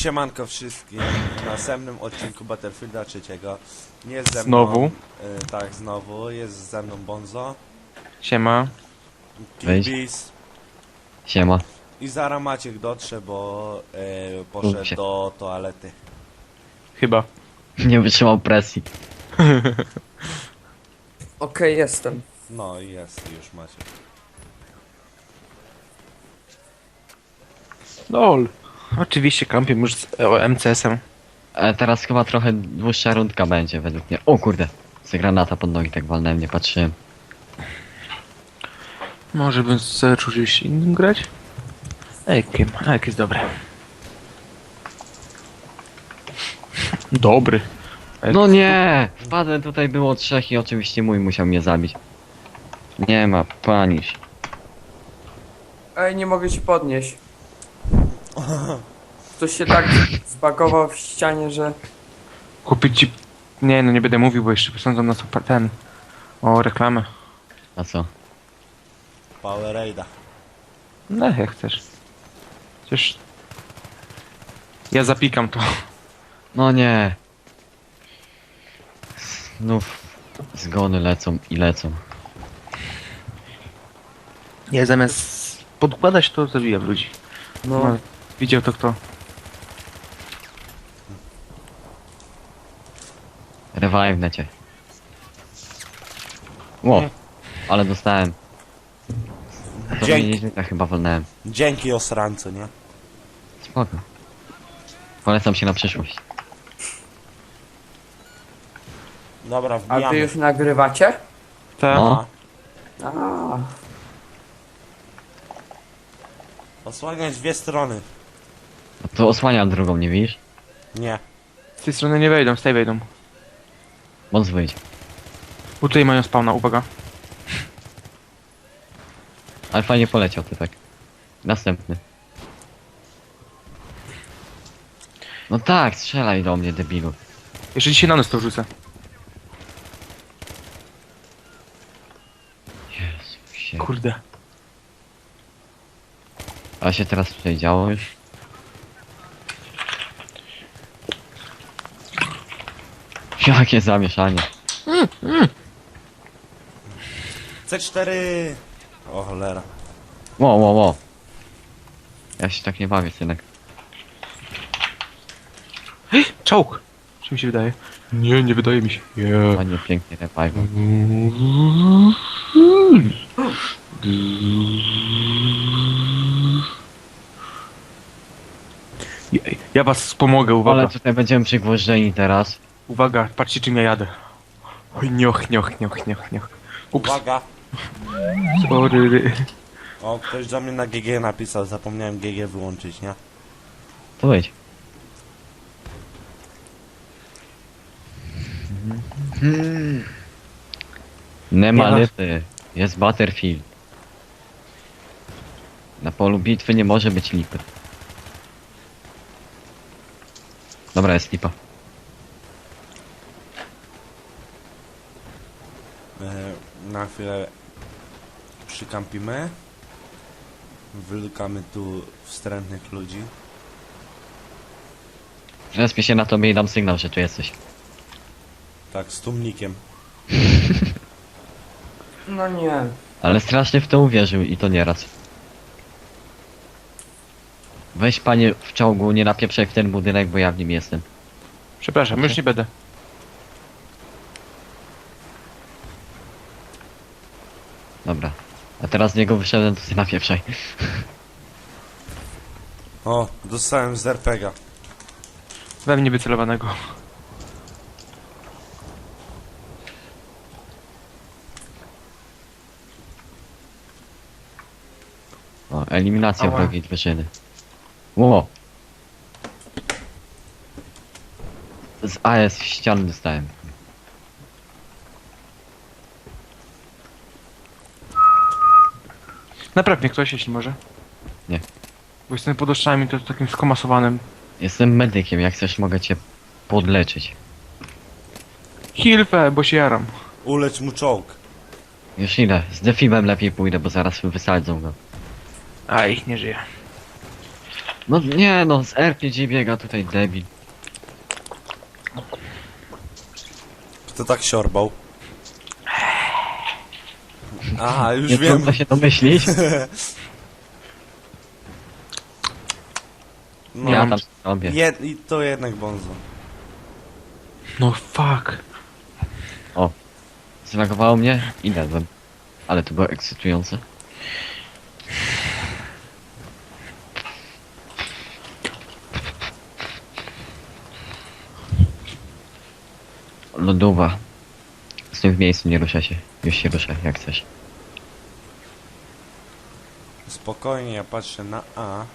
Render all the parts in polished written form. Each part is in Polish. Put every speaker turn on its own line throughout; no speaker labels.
Siemanko wszystkim, w następnym odcinku Battlefielda 3. Jest ze mną...
Znowu?
Tak, znowu. Jest ze mną Bonzo,
Siema.
Killbees
Siema.
i zaraz Maciek dotrze, bo poszedł
Mów się.
do toalety.
Chyba.
Nie wytrzymał presji.
Okej, jestem.
No i jest już Maciek.
LOL. Oczywiście kampię już z MCS-em.
Teraz chyba trochę dłuższa rundka będzie według mnie. O kurde. Z granata pod nogi tak walnąłem, nie patrzyłem.
Może bym zaczął gdzieś innym grać? Ekiem. Ek jest dobry. Dobry.
No nie! Wpadłem, tutaj było trzech i oczywiście mój musiał mnie zabić. Nie ma, panisz.
Ej, nie mogę się podnieść. Ktoś się tak zbagował w ścianie, że...
Kupić ci... Nie, no nie będę mówił, bo jeszcze posądzą nas o ten... O reklamę.
A co?
Powerade'a.
No jak chcesz. Przecież... Ja zapikam to.
No nie. Znów zgony lecą i lecą.
Ja zamiast podkładać to zabijam ludzi.
No,
No, widział to kto?
Revive necie. Ło, ale dostałem. To
Dzięki,
ja chyba walnąłem.
dzięki osrancu, nie?
Spoko. Polecam się na przyszłość.
Dobra,
a
wbijamy.
wy już nagrywacie?
Tak.
No.
A,
Osłaniać dwie strony.
No to osłaniam drugą, nie widzisz?
Nie.
Z tej strony nie wejdą, z tej wejdą.
Bądź wyjdź.
Bo tutaj mają spawna, uwaga.
Ale fajnie poleciał typek. Następny. No tak, strzelaj do mnie, debilu.
Jeszcze dzisiaj na nos to wrzucę.
Jezu się.
Kurde.
A się teraz tutaj działo już? Jakie zamieszanie.
C4! O cholera.
Ło, ło, ło. Ja się tak nie bawię, synek.
Czołg! Czy mi się wydaje? Nie, nie wydaje mi się. Yeah.
Ładnie, pięknie revive.
Ja was wspomogę, uwaga.
Ale tutaj będziemy przygwożdżeni teraz.
Uwaga, patrzcie czym ja jadę. Oj, nioch, nioch, nioch, nioch, nioch. Ups,
Uwaga!
sorry.
O, ktoś do mnie na GG napisał, zapomniałem GG wyłączyć, nie?
To wyjdź. Nie ma
Nie
lipy. Jest Battlefield. Na polu bitwy nie może być lipy. Dobra, jest lipa.
Na chwilę przykampimy. Wylukamy tu wstrętnych ludzi.
Respię się na tobie i dam sygnał, że tu jesteś.
Tak, z tłumnikiem.
no nie.
Ale strasznie w to uwierzył i to nieraz. Weź panie w czołgu, nie napieprzaj w ten budynek, bo ja w nim jestem.
Przepraszam, już nie będę.
Dobra. A teraz z niego wyszedłem, to ty napieprzaj.
O, dostałem z RPGa.
We mnie wycelowanego.
O, eliminacja
Ała.
wrogiej drużyny. Ło! Z AS w ścian dostałem.
Napraw mnie ktoś, jeśli może.
Nie.
Bo jestem pod oszczami, to takim skomasowanym.
Jestem medykiem, jak chcesz mogę cię podleczyć.
Hilfe, bo się jaram.
Ulecz mu czołg.
Już idę, z defibem lepiej pójdę, bo zaraz wysadzą go.
Aj, nie żyje.
No nie no, z RPG biega tutaj debil.
Kto tak siorbał? Aha, już
Nie
wiem.
trudno się domyślić.
No,
Ja tam robię.
I to jednak Bonzo.
No fuck.
Zlagowało mnie i dedłem. Ale to było ekscytujące. Lodowa. Z tym w miejscu nie rusza się. Już się rusza jak chcesz.
Spokojnie, ja patrzę na A.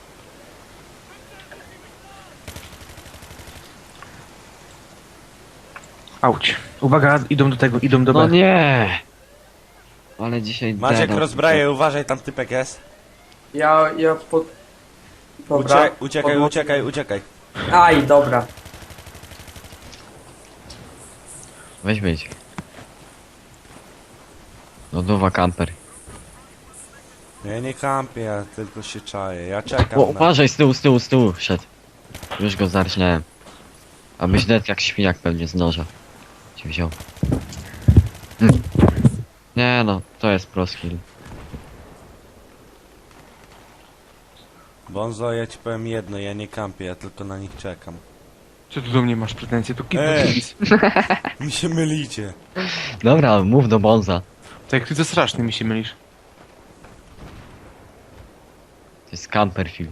Auć. Uwaga, idą do tego, idą do B.
No nie! Ale dzisiaj
Maciek
deda-
rozbraje, uważaj, tam typek jest.
Ja pod... Dobra.
Uciekaj,
Podło-
uciekaj, uciekaj.
Aj, dobra.
Weź być. Lodowa kamper.
Ja nie kampię, ja tylko się czaję. Ja czekam
O,
na...
uważaj, z tyłu szedł. Już go zarżnąłem. Abyś net jak świniak pewnie z noża. Ci wziął. Nie no, to jest pro skill.
Bonzo, ja ci powiem jedno, ja nie kampię, ja tylko na nich czekam.
Co tu do mnie masz pretensje? To kilka
Ej! Mi się mylicie.
Dobra, mów do Bonza.
Tak jak ty to straszny mi się mylisz.
To jest camperfield.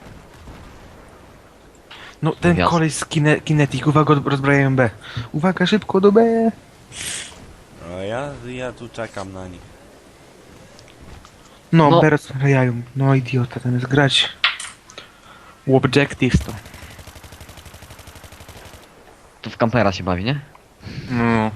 No ten
Jasne.
koleś z Kinetic, uwaga, rozbrajają B. Uwaga, szybko do B.
A ja tu czekam na nich.
No,
No.
B rozbrajają. No idiota, tam jest grać. Objectives to.
Tu w kampera się bawi, nie?
No.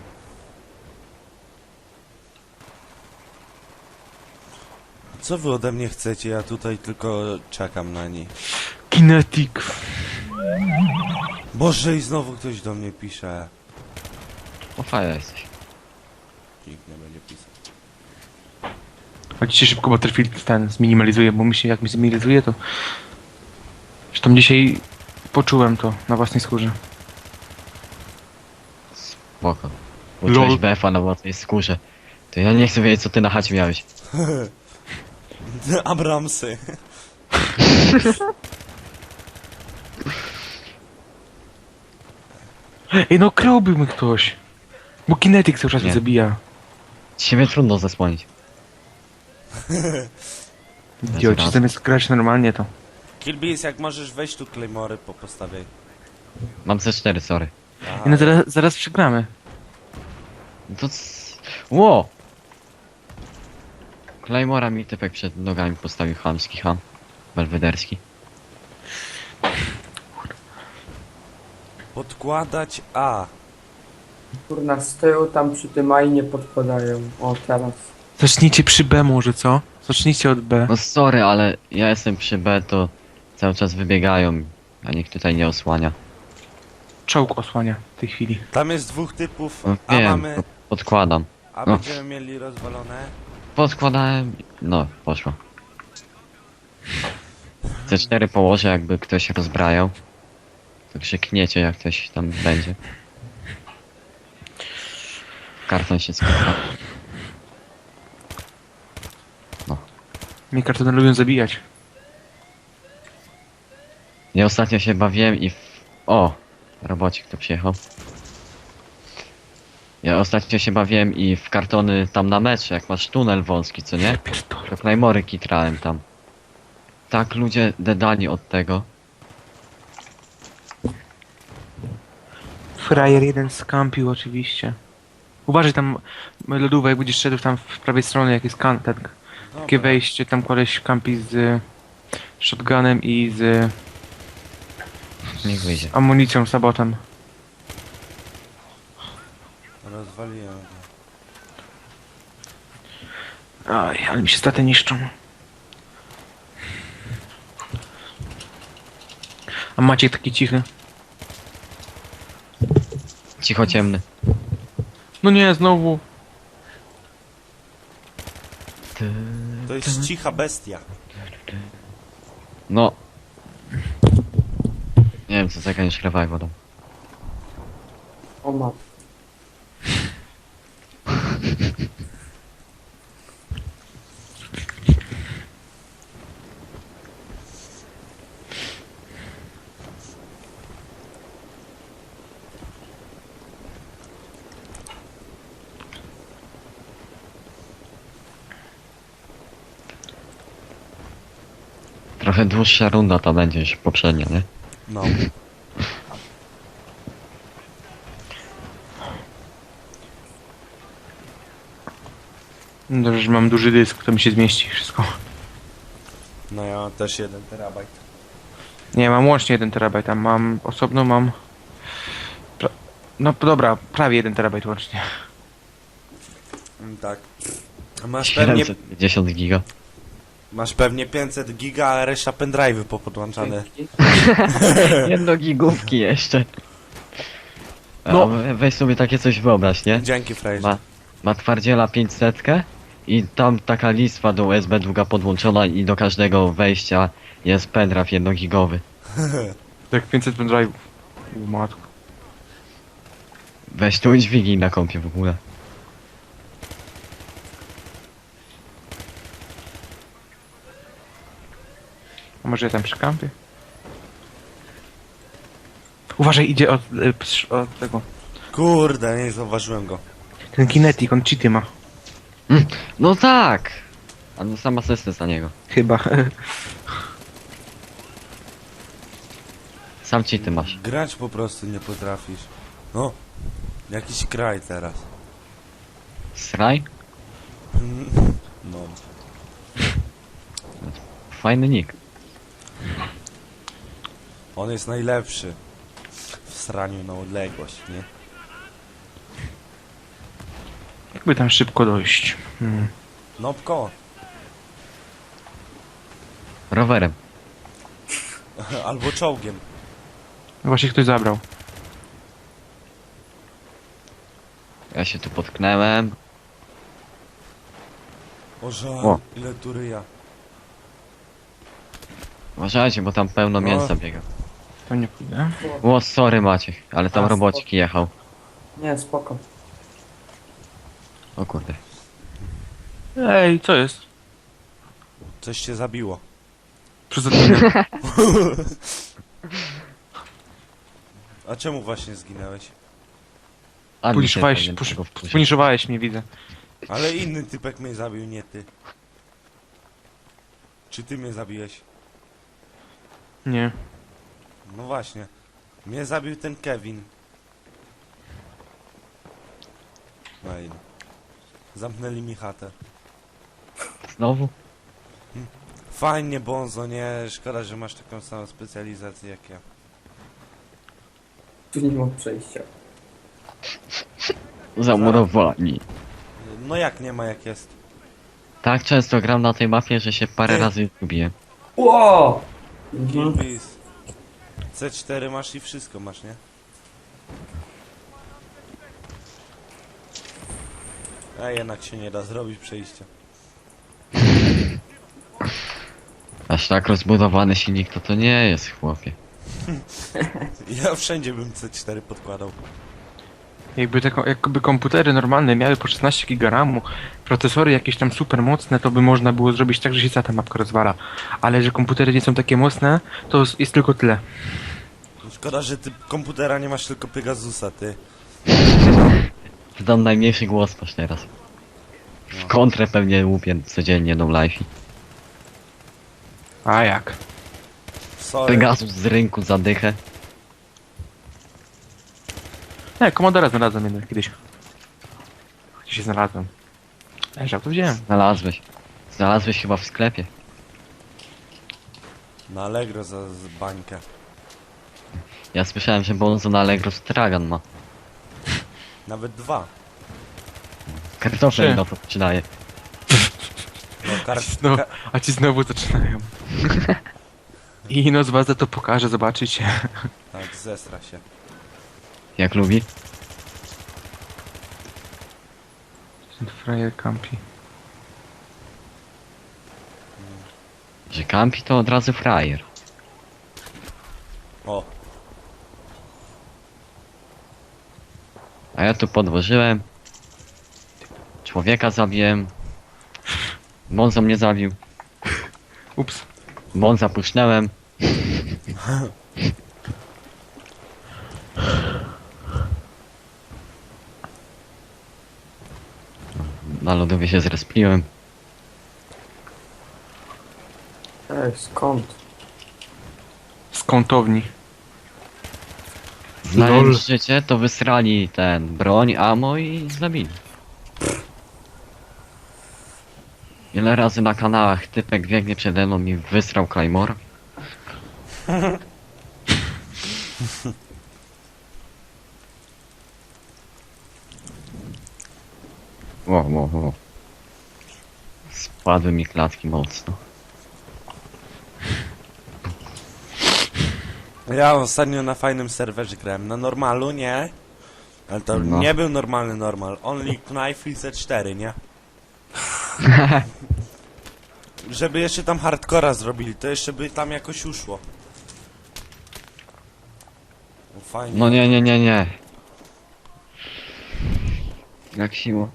Co wy ode mnie chcecie? Ja tutaj tylko czekam na nich.
Kinetic.
Boże, i znowu ktoś do mnie pisze.
O faja jesteś.
Nikt nie będzie pisał.
Chodźcie szybko, Battlefield ten zminimalizuje, bo mi się jak mi zminimalizuje to... Zresztą dzisiaj poczułem to na własnej skórze.
Spoko. Uczyłeś
Lol.
BF-a na własnej skórze. To ja nie chcę wiedzieć co ty na chacie miałeś.
Abramsy.
Ej, no kryłby mnie ktoś. Bo Kinetic cały czas
Nie.
mnie zabija.
Ciebie trudno zasłonić.
Idioci,
raz.
zamiast grać normalnie to.
Killbees, jak możesz wejść tu Claymory postawiaj.
Mam C4, sorry.
Aha,
No zaraz przegramy.
To Ło! Claymora mi typek przed nogami postawił chamski ham. Belwederski.
podkładać A.
Kurna, z tyłu tam przy tym aj nie podpadają. O, teraz.
Zacznijcie przy B może, co? Zacznijcie od B.
No sorry, ale ja jestem przy B, to cały czas wybiegają, a nikt tutaj nie osłania.
Czołg osłania w tej chwili.
Tam jest dwóch typów,
No
a
wiem,
mamy...
to podkładam.
A
no.
będziemy mieli rozwalone.
Podkładałem, no poszło. C4 położę, jakby ktoś rozbrajał. To krzykniecie, jak ktoś tam będzie. Karton się skończył.
Mnie kartony lubią zabijać.
Ja ostatnio się bawiłem i O! Robocik tu przyjechał. Ja ostatnio się bawiłem i w kartony tam na metrze, jak masz tunel wąski, co nie?
Pierdolę.
To Claymory kitrałem tam. Tak ludzie dedali od tego.
Frajer jeden skampił oczywiście. Uważaj tam, lodówek, jak będziesz szedł tam w prawej stronie, jak jest ten, takie
Dobra.
wejście, tam koleś kampi z shotgunem i z
Niech wyjdzie.
amunicją, sabotem.
Rozwaliłem go.
Aj, ale mi się staty niszczą. A Maciek taki cichy.
Cicho ciemny.
No nie, znowu.
To jest cicha bestia.
No, Nie wiem co zagraniesz revival tam.
O ma.
Trochę dłuższa runda to będzie niż poprzednia, nie?
No.
Dobrze, że mam duży dysk, to mi się zmieści wszystko.
No ja mam też 1 terabajt.
Nie, mam łącznie 1 terabajt, a mam osobno mam... No dobra, prawie 1 terabajt łącznie.
Tak. A masz pewnie 500 giga, ale reszta pendrive'y popodłączane.
Jedno gigówki jeszcze.
No.
No. Weź sobie takie coś wyobraź, nie?
Dzięki, frajerze.
Ma twardziela 500 i tam taka listwa do USB długa podłączona i do każdego wejścia jest pendrive 1 gigowy.
Tak 500 pendrive'ów. U matku.
Weź tu i dźwigij na kompie w ogóle.
A może ja tam przy kampie? Uważaj, idzie od tego.
Kurde, nie zauważyłem go.
Ten kinetik, on cheaty ma.
No tak! A no sam asystent za niego.
Chyba.
Sam ci ty masz.
Grać po prostu nie potrafisz. No. Jakiś kraj teraz.
Sraj?
No.
Fajny nick.
On jest najlepszy. W sraniu na odległość, nie?
Jakby tam szybko dojść.
Nopko.
Rowerem.
Albo czołgiem.
Właśnie ktoś zabrał.
Ja się tu potknęłem.
O żal,
O.
ile tu ryja.
Uważajcie, bo tam pełno
No.
mięsa biega.
To nie pójdę.
O, sorry Maciek, ale tam
A,
robocik jechał.
Nie, spoko.
O kurde.
Ej, co jest?
Coś cię zabiło.
Przez odminę.
A czemu właśnie zginęłeś?
Puniszowałeś mnie, widzę.
Ale inny typek mnie zabił, nie ty. Czy ty mnie zabiłeś?
Nie.
No właśnie. Mnie zabił ten Kevin. Ej. Zamknęli mi chatę.
Znowu?
Fajnie, Bonzo, nie? Szkoda, że masz taką samą specjalizację jak ja.
Tu nie mam przejścia.
Zamurowani.
No jak nie ma, jak jest?
Tak często gram na tej mapie, że się parę razy zgubiłem.
Ło!
Kilbis. C4 masz i wszystko masz, nie? A jednak się nie da zrobić przejścia.
Aż tak rozbudowany silnik to nie jest, chłopie.
Ja wszędzie bym C4 podkładał.
Jakby komputery normalne miały po 16 GB RAMu, procesory jakieś tam super mocne, to by można było zrobić tak, że się cała ta mapka rozwala. Ale że komputery nie są takie mocne, to jest tylko tyle.
Szkoda, że ty komputera nie masz, tylko Pegasusa, ty.
Dam najmniejszy głos masz teraz. W kontrę pewnie łupię codziennie no life.
A jak?
Sorry.
Pegasus z rynku zadychę.
Nie, Commodore znalazłem jednak kiedyś. Gdzie się znalazłem? Leżał, to wziąłem.
Znalazłeś. Znalazłeś chyba w sklepie.
Na Allegro za bańkę.
Ja słyszałem, że Bonzo na Allegro stragan ma.
Nawet 2.
Kartofel
Trzy.
na to przydaje.
No,
No, a ci znowu zaczynają. I no z was za to pokażę, zobaczycie.
Tak, zesra się.
Jak lubi.
Ten frajer campi.
Że kampi to od razu frajer.
O,
A ja tu podłożyłem. Człowieka zabiłem. Bonzo mnie zabił.
Ups.
Bonza puszczałem. Na lodówie się zrespiłem.
Ej, skąd?
Z kątowni.
Znając życie, to wysrali ten broń, ammo i zabili. Ile razy na kanałach typek biegnie przede mną i wysrał Claymore? Wow. Spadły mi klatki mocno.
Ja ostatnio na fajnym serwerze grałem. Na normalu, nie? Ale to
No.
nie był normalny normal. Only Knife i C4, nie? Żeby jeszcze tam hardcora zrobili, to jeszcze by tam jakoś uszło. No fajnie.
No nie. Jak siło.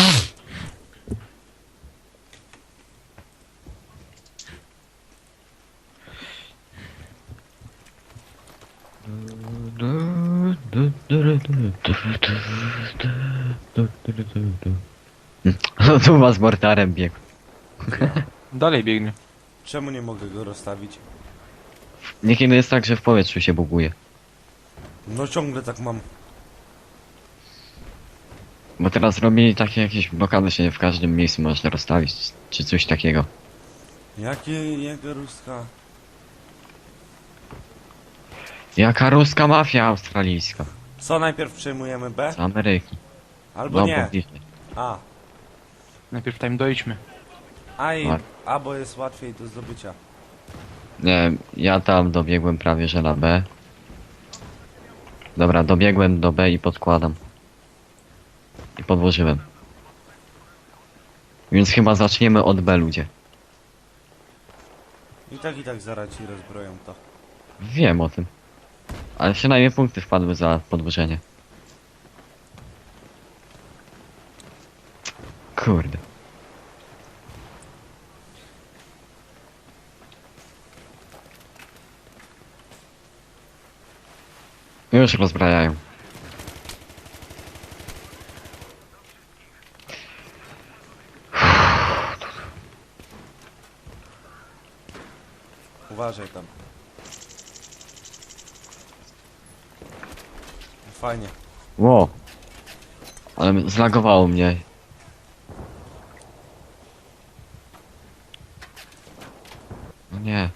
No tu was mortarem biegł.
Dalej biegnie.
Czemu nie mogę go rozstawić?
Niekiedy jest tak, że w powietrzu się buguje.
No ciągle tak mam.
Bo teraz robili takie jakieś blokady, że nie w każdym miejscu można rozstawić, czy coś takiego.
Jego ruska?
Jaka ruska mafia australijska?
Co najpierw przejmujemy B?
Z Ameryki.
Albo
No,
nie.
bliżej.
A.
Najpierw tam dojdźmy.
A, A, bo jest łatwiej do zdobycia.
Nie, ja tam dobiegłem prawie że na B. Dobra, dobiegłem do B i podkładam. I podłożyłem. Więc chyba zaczniemy od B, ludzie.
I tak zaraz ci rozbroją to.
Wiem o tym. Ale przynajmniej punkty wpadły za podłożenie. Kurde. Już rozbrajają.
Uważaj tam. Fajnie.
Ło. Ale zlagowało mnie. No nie.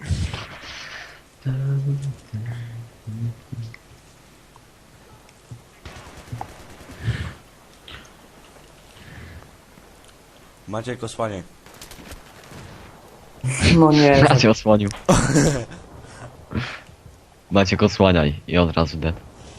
Maciek, osłaniaj.
No nie,
Maciek osłonił. Maciek osłaniaj i od razu dead.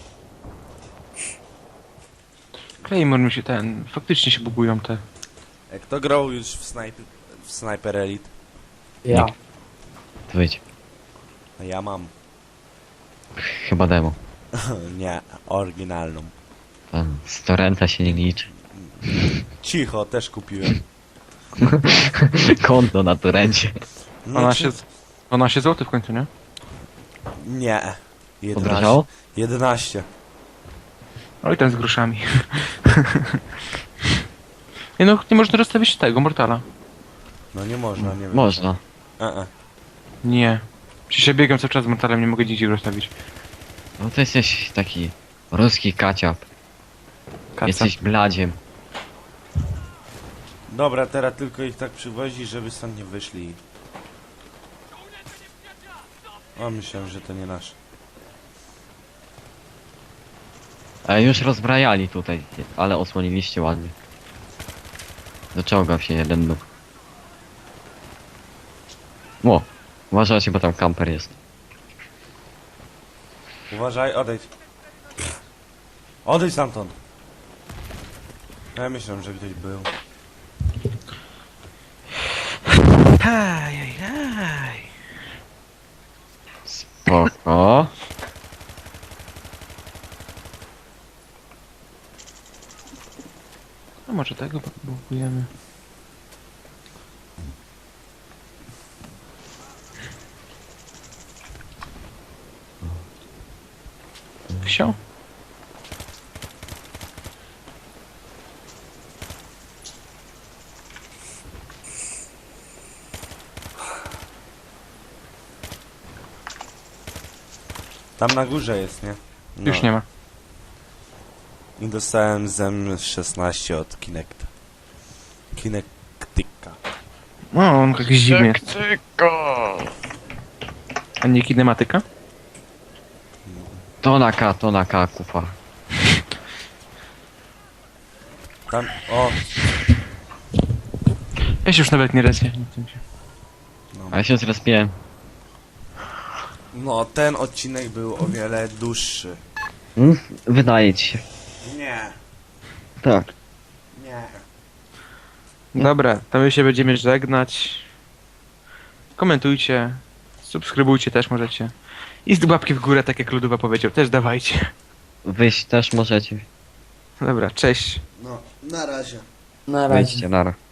Claymore mi się faktycznie się bugują te.
Kto grał już w Sniper Elite?
ja.
To wyjdź.
A ja mam.
Chyba demo.
Nie, oryginalną.
Tam z torrenta się nie liczy.
Cicho, też kupiłem.
Konto na torrencie.
No,
12 zł w końcu, nie?
Nie. 11.
Podrażało?
11.
Oj, ten z groszami. Nie no, nie można rozstawić tego Mortala.
No nie można, nie wiem.
Można.
Nie. Przecież ja biegam cały czas z Mortalem, nie mogę nigdzie go rozstawić.
No to jesteś taki ruski kaciap.
Kaca.
Jesteś bladziem.
Dobra, teraz tylko ich tak przywozi, żeby stąd nie wyszli. O, myślałem, że to nie nasz.
Już rozbrajali tutaj, ale osłoniliście ładnie. Doczołgał się jeden nóg. Ło, uważajcie, bo tam kamper jest.
Uważaj, odejdź. Odejdź stamtąd. Ja myślałem, że ktoś był.
Ajajaj.
Spoko.
A może tego próbujemy. Wsio?
Tam na górze jest, nie? No.
Już nie ma.
I dostałem zem 16 od Kinecta. Kinectika.
No, on jakiś dziwny jest. A nie kinematyka?
To na K, kupa.
Tam, o,
Ja się już nawet nie respię.
A ja się zrespiłem.
no ten odcinek był o wiele dłuższy.
Wydaje ci się.
Nie,
Tak.
nie.
Dobra, to my się będziemy żegnać. Komentujcie, subskrybujcie też możecie. I z łapki w górę, tak jak Ludowa powiedział, też dawajcie.
Wyjść też możecie.
Dobra, cześć.
No, na razie.
Na razie.
Wyjście, nara.